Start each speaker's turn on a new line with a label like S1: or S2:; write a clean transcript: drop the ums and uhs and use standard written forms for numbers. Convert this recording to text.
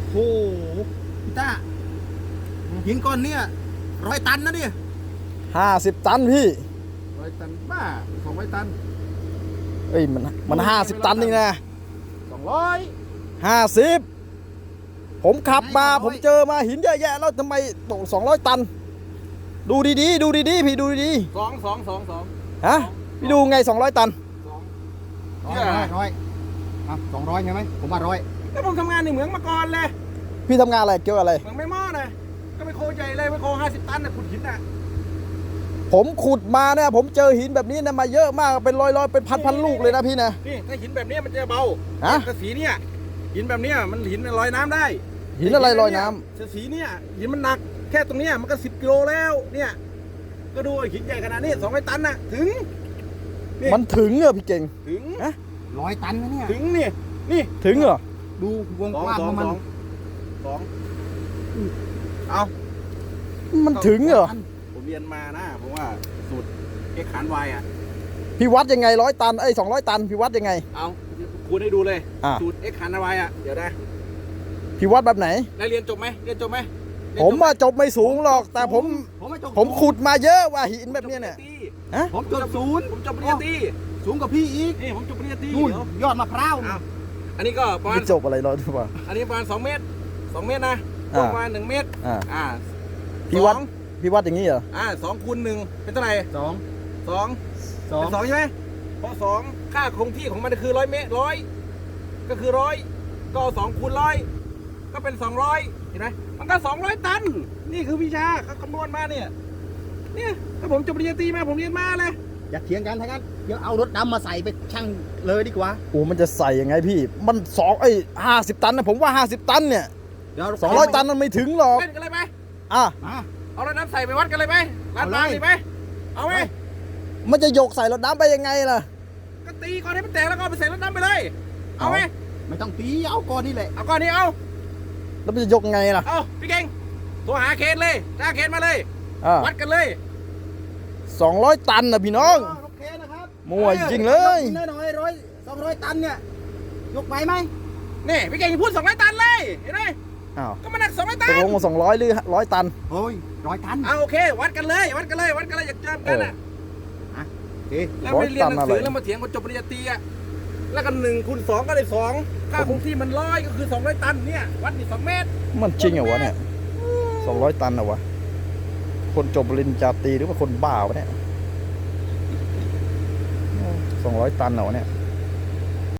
S1: โหพี่ต้าหินก้อนเนี่ย100 ตันนะเนี่ย
S2: 50 ตันพี่
S1: 100 ตันบ้า200 ตัน
S2: เอ้ยมัน50 ตันนี่นะ
S1: 200
S2: 50ผมขับมาผมเจอมาหินเยอะแยะแล้วทำไมตก200 ตัน ดูดีๆดูดีๆพี่ดูดี
S1: 2
S2: ๆฮะพี่ดูไง200 ตัน
S1: ร้อย200ใช่ไหมผมว่า100
S3: แล้วผมทำงานในเหมืองมาก่อนเลย
S2: พี่ทำงานอะไรเกี่ยวกับอะไร
S3: เหมืองไม่มอดเลยก็ไปโคใหญ่เลยไปโค50 ตันน่ะขุดหินน่ะ
S2: ผมขุดมาเนี่ยผมเจอหินแบบนี้นะมาเยอะมากเป็นร้อยๆเป็นพันลูกเลยนะพี่นะ
S3: นี่ถ้าหินแบบนี้มันจะเบา
S2: ฮะ
S3: แต่สีเนี่ยหินแบบเนี้ยมันหินลอยน้ำได้
S2: หินอะไรลอยน้ำ
S3: แต่สีเนี่ยหินมันหนักแค่ตรงเนี้ยมันก็10 กิโลแล้วเนี่ยก็ดูหินใหญ่ขนาดนี้200 ตันน่ะถึงนี่
S2: มันถึงเหรอพี่เก่ง
S3: ถึง
S1: 100 ตันนะเนี่ย
S3: ถึงนี่
S2: ถึงเหรอ
S1: ดูวงกว้างของมัน
S3: สองเอา
S2: มันถึงเหรอ
S3: ผมเรียนมานะผมว่าสูตรเอ็กขานวายอ่ะ
S2: พี่วัดยังไง100 ตัน200 ตันพี่วัดยังไง
S3: เอาคูณให้ดูเลย
S2: อ่ะ
S3: สูตรเอ็กขานวายอ่ะเดี๋ยวนะ
S2: พี่วัดแบบไหน
S3: ได้เรียนจบไหมเรียนจบไหม
S2: ผมว่าจบไม่สูงหรอก แต่ผม
S1: ไม่จบ
S2: ผมขุดมาเยอะว่าหินแบบเนี้ยเนี่ยฮะ
S1: ผมจบศูนย์
S3: ผมจบปริญญาตรี
S1: สูงกว่าพี่อีก
S3: นี่ผมจบปริญญาตรี
S1: นู่น
S3: เดี๋ยวย
S1: อดมะพร้าว
S3: เอาอันนี้ก็ประมาณ
S2: พี่จบอะไรร้อยหรือเปล่า
S3: อันนี้ประมาณ2 เมตร2 เมตรนะ
S2: อ่า
S3: ประมาณ1 เมตร
S2: อ่า
S3: 2
S2: พี่วัดอย่างนี้เหรอ
S3: 2 คูณ 1เป็นเท่าไหร่
S1: สอง
S3: 2เป็น2ใช่ไหมเพราะ2ค่าคงที่ของมันคือ100 เมตร100ก็คือ100ก็2 คูณ 100ก็เป็น200เห็นไหมมันก็200 ตันนี่คือวิชาเขาคำนวณมาเนี่ยถ้าผมจบปริญญาตรีมาผมเรียนมาเลย
S1: อย่าเถียงกันทั้งนั้นเดี๋ยวเอารถดำมาใส่ไปชั่งเลยดีกว่า
S2: โอ้มันจะใส่ยังไงพี่มัน50 ตันนะผมว่า50 ตันเนี่ย
S1: เดี๋ยว
S2: 200 ตันมันไม่ถึงหรอก
S3: เล่นกันเลยไหม
S2: อ่ะ
S1: มา
S3: เอารถน้ำใส่ไปวัดกันเลยไหมร้านปลาเลยไหมเอาไหม
S2: มันจะโยกใส่รถน้ำไปยังไงล่ะ
S3: ก็ตีก่อนให้มันแตกแล้วก็เอาไปใส่รถน้ำไปเลย เอาไหม
S1: ไม่ต้องตีเอาก้อนนี่แหละ
S3: เอาก่อนนี้เอา
S2: แล้วมันจะยกไงล่ะ
S3: เอาพี่เก่งโทรหาเคนเลยจ้างเคนมาเลย
S2: อ่ะ
S3: วัดกันเลย
S2: 200 ตันนะพี่น้อง
S1: โอเคนะครับ
S2: มั่วจริงเลย
S1: น้อย200 ตันเนี่ยยกไปไหม
S3: นี่พี่เก่งอย่าพูด200 ตันเลยเห็นไหม
S2: อ้าว
S3: ก็มันหนัก200 ตั
S2: ต
S3: น
S2: กลงมา200หรือ100 ตัน
S1: โอ้ย100 ตัน
S3: เอาโอเควัดกันเลยวัดกันเลยวัดกันเลยอยากเจอกันอ่ะ
S1: โอเค
S3: แล้วไม่เรียนหนังสื
S2: 100 ตันอะไร
S3: อแล้วมาเถียงคนจบปริญญาตรีอ่ะแล้วกัน1 คูณ 2ก็ได้2ค่าคงที่มัน100ก็คือ200 ตันเนี่ยวัดนี่2 เมตร
S2: มันจริงเหรอวะเนี่ย200 ตันเหรอวะคนจบปริญญาตรีหรือว่าคนบ้าวะเนี่ย200 ตันเหรอวะเนี่ย